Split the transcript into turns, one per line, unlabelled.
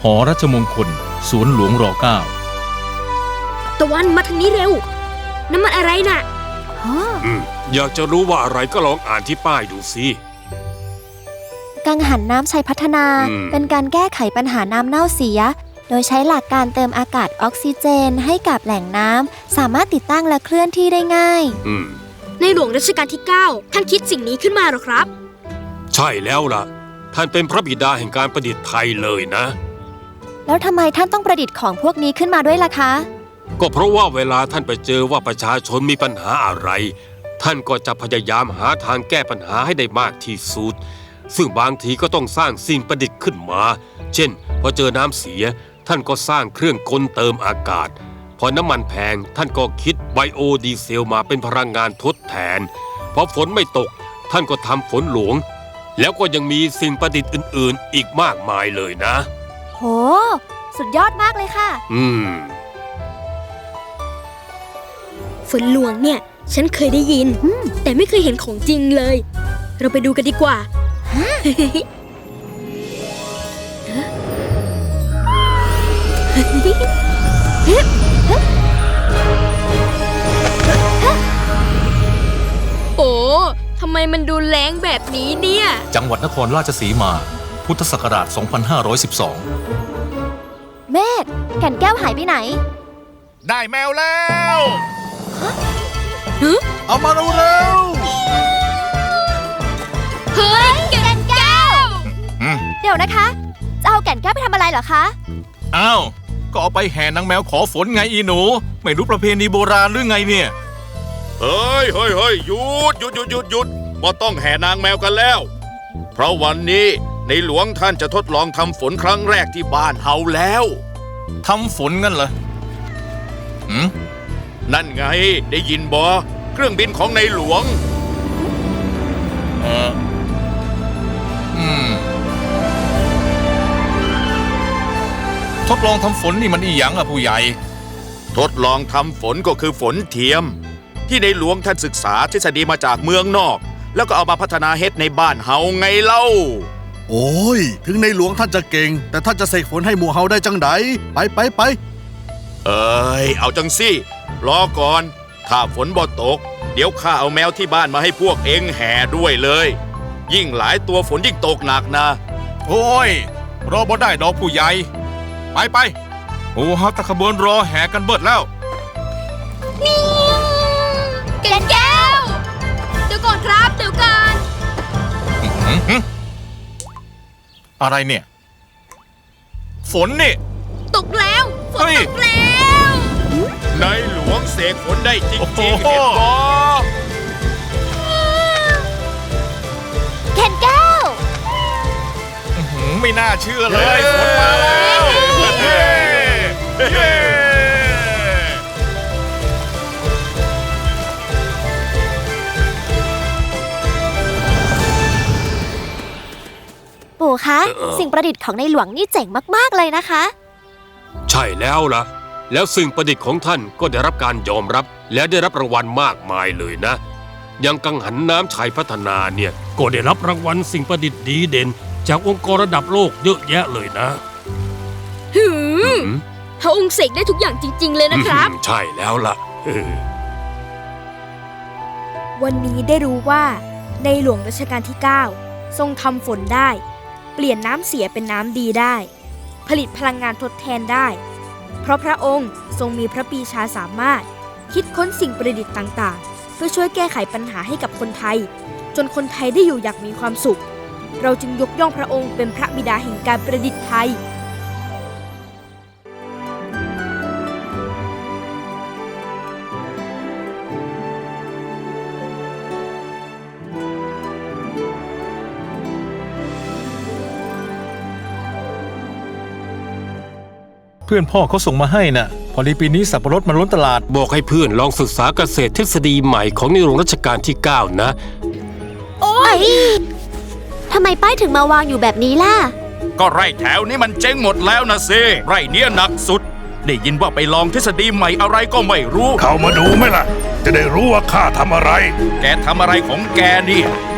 หอรัชมงคลสวนหลวงร.9
ตะวันมาทางนี้เร็วน้ำมันอะไรน่ะ
อยากจะรู้ว่าอะไรก็ลองอ่านที่ป้ายดูสิ
กังหันน้ำชัยพัฒนาเป็นการแก้ไขปัญหาน้ำเน่าเสียโดยใช้หลักการเติมอากาศออกซิเจนให้กับแหล่งน้ำสามารถติดตั้งและเคลื่อนที่ได้ง่าย
ในหลวงรัชกาลที่ 9 ท่านคิดสิ่งนี้ขึ้นมาหรอครับ
ใช่แล้วล่ะท่านเป็นพระบิดาแห่งการประดิษฐ์ไทยเลยนะ
แล้วทำไมท่านต้องประดิษฐ์ของพวกนี้ขึ้นมาด้วยล่ะคะ
ก็เพราะว่าเวลาท่านไปเจอว่าประชาชนมีปัญหาอะไรท่านก็จะพยายามหาทางแก้ปัญหาให้ได้มากที่สุดซึ่งบางทีก็ต้องสร้างสิ่งประดิษฐ์ขึ้นมาเช่นพอเจอน้ำเสียท่านก็สร้างเครื่องกลเติมอากาศพอน้ำมันแพงท่านก็คิดไบโอดีเซลมาเป็นพลังงานทดแทนพอฝนไม่ตกท่านก็ทำฝนหลวงแล้วก็ยังมีสิ่งประดิษฐ์อื่นๆอีกมากมายเลยนะ
โหสุดยอดมากเลยค่ะ
ฝนหลวงเนี่ยฉันเคยได้ยินแต่ไม่เคยเห็นของจริงเลยเราไปดูกันดีกว่าโอ้ทำไมมันดูแรงแบบนี้เนี่ย
จังหวัดนครราชสีมาพุทธศักราช 2512
เมธแก่นแก้วหายไปไหน
ได้แมวแล้วเอามาเร็ว
เฮ้ยแก่นแก้ว
เดี๋ยวนะคะจะเอาแก่นแก้วไปทำอะไรเหรอคะ
อ้าวก็เอาไปแห่นางแมวขอฝนไงอีหนูไม่รู้ประเพณีโบราณหรือไงเนี่ย
เฮ้ยหยุดบ่ต้องแห่นางแมวกันแล้วเพราะวันนี้ในหลวงท่านจะทดลองทำฝนครั้งแรกที่บ้านเฮาแล้ว
ทำฝนงั้นเหรอ
นั่นไงได้ยินบ่เครื่องบินของในหลวง
ทดลองทำฝนนี่มันอีหยังอะผู้ใหญ่
ทดลองทำฝนก็คือฝนเทียมที่ในหลวงท่านศึกษาทฤษฎีมาจากเมืองนอกแล้วก็เอามาพัฒนาเฮ็ดในบ้านเฮาไงเล่า
โอ้ยถึงในหลวงท่านจะเก่งแต่ท่านจะเสกฝนให้หมู่เฮาได้จังไดไป
เอาจังสิรอก่อนถ้าฝนบ่ตกเดี๋ยวข้าเอาแมวที่บ้านมาให้พวกเองแห่ด้วยเลยยิ่งหลายตัวฝนยิ่งตกหนักนะ
โอ้ยรอบ่ได้ดอกผู้ใหญ่ไปโอ้ฮัตตะขบวนรอแห่กันเบิดแล้ว
แก่นแก้วเดี๋ยวก่อนครับเดี๋ยวก่อน
อะไรเนี่ยฝนนี่
ตกแล้วฝนตกแล้ว
ในหลวงเสกฝนได้จริงๆเห็นบ่
แก่นแก้ว
ไม่น่าเชื่อเลยฝนมาแล้ว
ปู่คะสิ่งประดิษฐ์ของในหลวงนี่เจ๋งมากๆเลยนะคะ
ใช่แล้วล่ะแล้วสิ่งประดิษฐ์ของท่านก็ได้รับการยอมรับและได้รับรางวัลมากมายเลยนะอย่างกังหันน้ำชัยพัฒนาเนี่ยก็ได้รับรางวัลสิ่งประดิษฐ์ดีเด่นจากองค์กรระดับโลกเยอะแยะเลยนะ
พระองค์เสกได้ทุกอย่างจริงๆเลยนะครับ
ใช่แล้วล่ะ
วันนี้ได้รู้ว่าในหลวงรัชกาลที่ 9 ทรงทำฝนได้เปลี่ยนน้ำเสียเป็นน้ำดีได้ผลิตพลังงานทดแทนได้เพราะพระองค์ทรงมีพระปรีชาสามารถคิดค้นสิ่งประดิษฐ์ต่างๆเพื่อช่วยแก้ไขปัญหาให้กับคนไทยจนคนไทยได้อยู่อย่างมีความสุขเราจึงยกย่องพระองค์เป็นพระบิดาแห่งการประดิษฐ์ไทย
เพื่อนพ่อเขาส่งมาให้น่ะพอดีปีนี้สับปะรดมันล้นตลาด
บอกให้เพื่อนลองศึกษาเกษตรทฤษฎีใหม่ของในหลวงรัชกาลที่ 9 นะ
โอ๊ยทำไมป้ายถึงมาวางอยู่แบบนี้ล่ะ
ก็ไร่แถวนี้มันเจ๊งหมดแล้วนะสิไร่เนี้ยหนักสุดได้ยินว่าไปลองทฤษฎีใหม่อะไรก็ไม่รู้
เข้ามาดูไหมล่ะจะได้รู้ว่าข้าทำอะไร
แกทำอะไรของแกเนี่ย